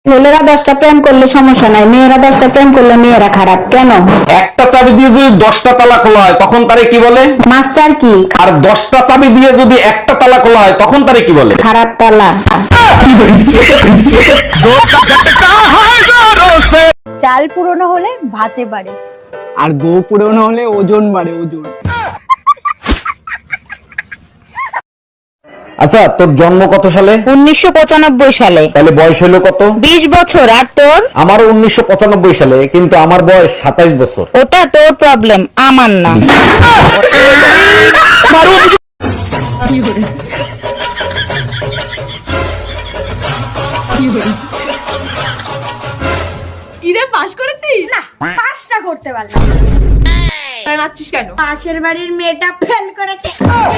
ছেলেরা 10টা প্রেম করলে সমস্যা নাই, মেয়েরা 10টা প্রেম করলে মেয়েরা খারাপ কেন? একটা চাবি দিয়ে যদি 10টা তালা খোলা হয় তখন তারে কি বলে? মাস্টার কি? আর 10টা চাবি দিয়ে যদি একটা তালা খোলা হয় তখন তারে কি বলে? খারাপ তালা। চাল পুরনো হলে ভাতে বাড়ে, আর গো পুরনো হলে ওজন বাড়ে, ওজন। আচ্ছা, তোর জন্ম কত সালে? 1995 সালে। তাহলে বয়স হলো কত? 20 বছর। আর তোর? আমারও 1995 সালে, কিন্তু আমার বয়স 27 বছর। ওটা তোর প্রবলেম, আমার না। কিরে পাস করেছিস? না, পাঁচটা করতে পারলাম। নাচছিস কেন? পাশের বাড়ির মেয়েটা ফেল করেছে।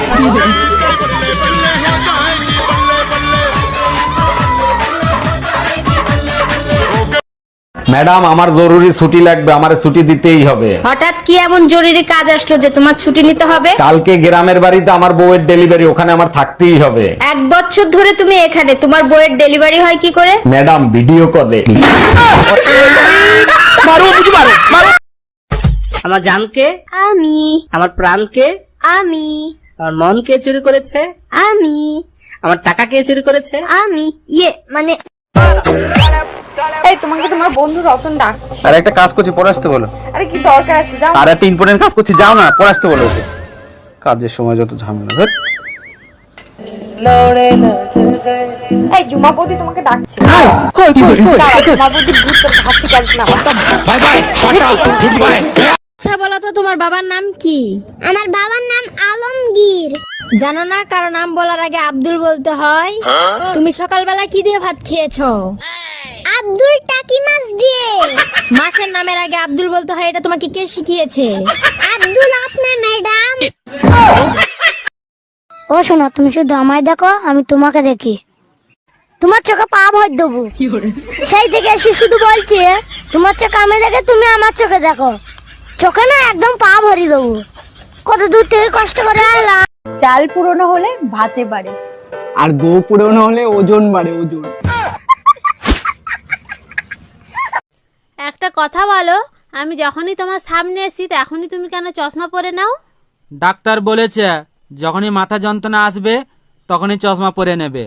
ম্যাডাম, আমার জরুরি ছুটি লাগবে, আমারে ছুটি দিতেই হবে। হঠাৎ কি এমন জরুরি কাজ আসলো যে তোমার ছুটি নিতে হবে? কালকে গ্রামের বাড়িতে আমার বউয়ের ডেলিভারি, ওখানে আমার থাকতেই হবে। 1 বছর ধরে তুমি এখানে, তোমার বইয়ের ডেলিভারি হয় কি করে? ম্যাডাম, ভিডিও কলে। আমার জানকে, আমি আমার প্রাণকে, আমি আমার মন কে চুরি করেছে, আমি আমার টাকা কে চুরি করেছে? আমি মানে এই তোমাকে তোমার বন্ধু রতন ডাকছে। আর একটা কাজ করছি, পরে আসতে বলো। আরে কি দরকার আছে, যাও। আর একটা ইম্পর্টেন্ট কাজ করছি, যাও না, পরে আসতে বলো ওকে। কাজের সময় যত ঝামেলা। ধ্যাৎ। এই জুমা বৌদি তোমাকে ডাকছে। দাঁড়া, জুমা বৌদি ভূত তোর হাত থেকে আসবে না। আচ্ছা বলো তো, তোমার বাবার নাম কি? আমার বাবার নাম আলমগীর। জানো না কারো নাম বলার আগে আব্দুল বলতে হয়? তুমি সকালবেলা কি দিয়ে ভাত খেয়েছো? আব্দুল টাকি মাছ দিয়ে। মাছের নামের আগে আব্দুল বলতে হয়, এটা তোমাকে কে শিখিয়েছে? আব্দুল আপনার ম্যাডাম। ও শোনো, তুমি শুধু আমায় দেখো, আমি তোমাকে দেখি। তোমার চোখে পা ভর দেবো। সেই থেকে এসে শুধু বলছি, তোমার চোখে আমি দেখে তুমি আমার চোখে দেখো। চোখে না একদম পা ভরি দেবো। কত দূর থেকে কষ্ট করে এলাম। চাল পুরনো হলে ভাতে বাড়ে, আর গো পুরনো হলে ওজন বাড়ে, ওজন। একটা কথা বলো, আমি যখনই তোমার সামনে এসি তখনই তুমি কেন চশমা পরে নাও? ডাক্তার বলেছে যখনই মাথা যন্ত্রণা আসবে তখনই চশমা পরে নেবে।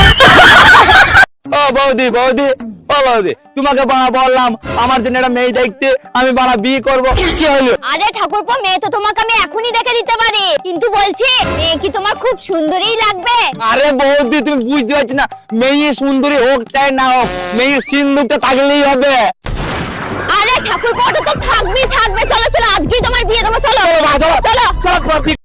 ও বৌদি, বৌদি, ও বৌদি, তোমাকে বাবা বললাম আমার জন্য একটা মেয়ে দেখতে, আমি বাবা বিয়ে করব। কি হলো? আরে ঠাকুরপো, মেয়ে তো তোমাকে আমি এখনই দেখে দিতে পারি, কিন্তু বলছি মেয়ে কি তোমার খুব সুন্দরই লাগবে? আরে বৌদি, তুমি বুঝতে পারছি না, মেয়ে সুন্দরী হোক চাই না হোক, মেয়ে সিন্দুকটা থাকলেই হবে। আরে ঠাকুরপো,